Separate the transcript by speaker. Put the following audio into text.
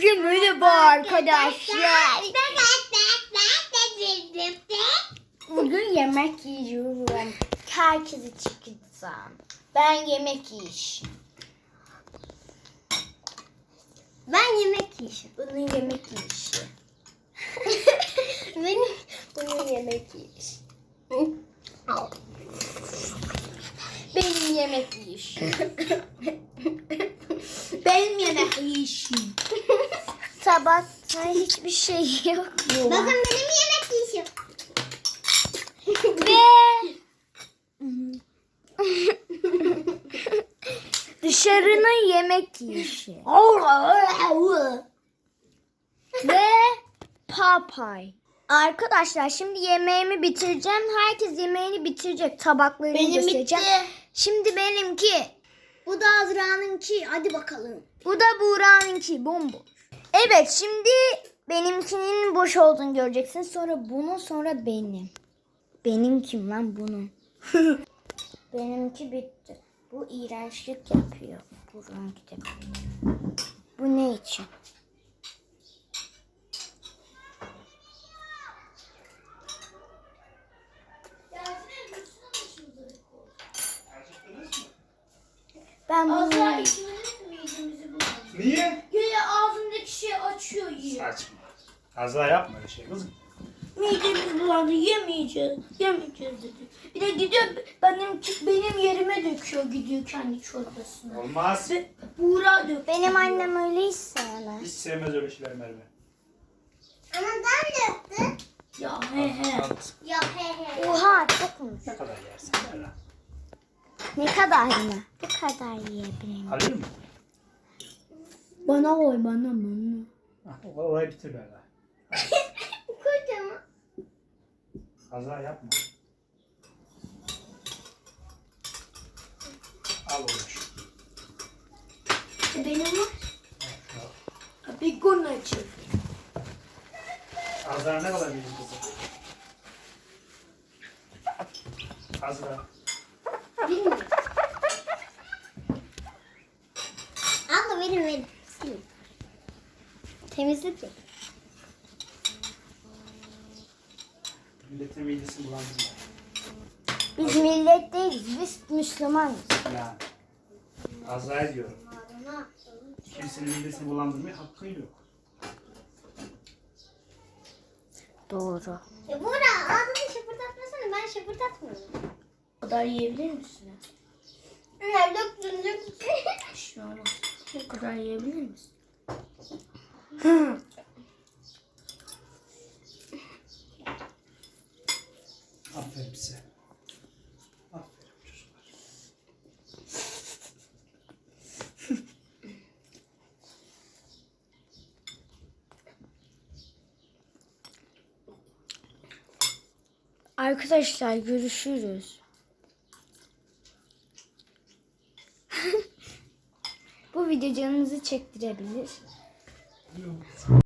Speaker 1: Herkese merhaba arkadaşlar. Bugün yemek yiyorum. Herkese çıkacağım. Ben yemek yiyiş. Ben yemek yiyişim. Bunun yemek yiyişi. Bunun yemek yiyişi. Benim yemek yiyişim. Benim yemek yiyişim. Sabahtan hiçbir şey yok.
Speaker 2: Bakın benim yemek yiyişim.
Speaker 1: Ve dışarının yemek yiyişi. Ve papay. Arkadaşlar şimdi yemeğimi bitireceğim. Herkes yemeğini bitirecek. Tabaklarını
Speaker 2: Benim
Speaker 1: göstereceğim.
Speaker 2: bitti.
Speaker 1: Şimdi benimki.
Speaker 2: Bu da Azra'nınki. Hadi bakalım.
Speaker 1: Bu da Buğra'nınki. Bomboş. Evet şimdi benimkinin boş olduğunu göreceksin. Sonra bunu sonra benim. Benim kim lan bunu? Benimki bitti. Bu iğrençlik yapıyor. Buğra'nınki de. Bu ne için? Ben bunu...
Speaker 3: Niye?
Speaker 2: Güya ağzımdaki şey açıyor yiyor.
Speaker 3: Saçma. Kaza yapma öyle şey kızım.
Speaker 2: Midemiz bulandı, yemeyeceğiz dedi. Bir de gidiyor benim yerime döküyor, gidiyor kendi çorbasını.
Speaker 3: Olmaz.
Speaker 2: Ve Buğra dök.
Speaker 1: Benim annem öyle hiç sevmez.
Speaker 3: Hiç sevmez öyle şeyler Merve.
Speaker 2: Ama ben döktüm. Ya he he.
Speaker 3: Al kızım.
Speaker 2: Ya he he.
Speaker 1: Oha çokmuş.
Speaker 3: Ne kadar yersin Merve?
Speaker 1: Ne kadar mı? Bu kadar yiyebilirim.
Speaker 3: Alayım mı?
Speaker 2: Bana koy bana.
Speaker 3: Orayı bitir Merve.
Speaker 2: Kocaman.
Speaker 3: Kaza yapma. Al oğlum.
Speaker 2: Benim var. Bir gün açayım.
Speaker 3: Azra ne kadar büyük kızım? Azra.
Speaker 2: Bilmiyorum. Abla verin. Sil. Temizlik yap.
Speaker 3: Milletin midesini bulandırma.
Speaker 1: Biz millet değiliz. Biz Müslümanız.
Speaker 3: Yani. Azra'ya diyorum. Kimsenin midesini bulandırmaya hakkın yok.
Speaker 1: Doğru.
Speaker 2: Buğra ağzını şıpırdatmasana, ben şıpırdatmıyorum.
Speaker 4: O kadar yiyebilir misin?
Speaker 2: Ne döktün.
Speaker 4: Bir şey olmaz. O kadar yiyebilir misin?
Speaker 3: Aferin size. Aferin çocuklar.
Speaker 1: Arkadaşlar görüşürüz. Bu video canınızı çektirebilir.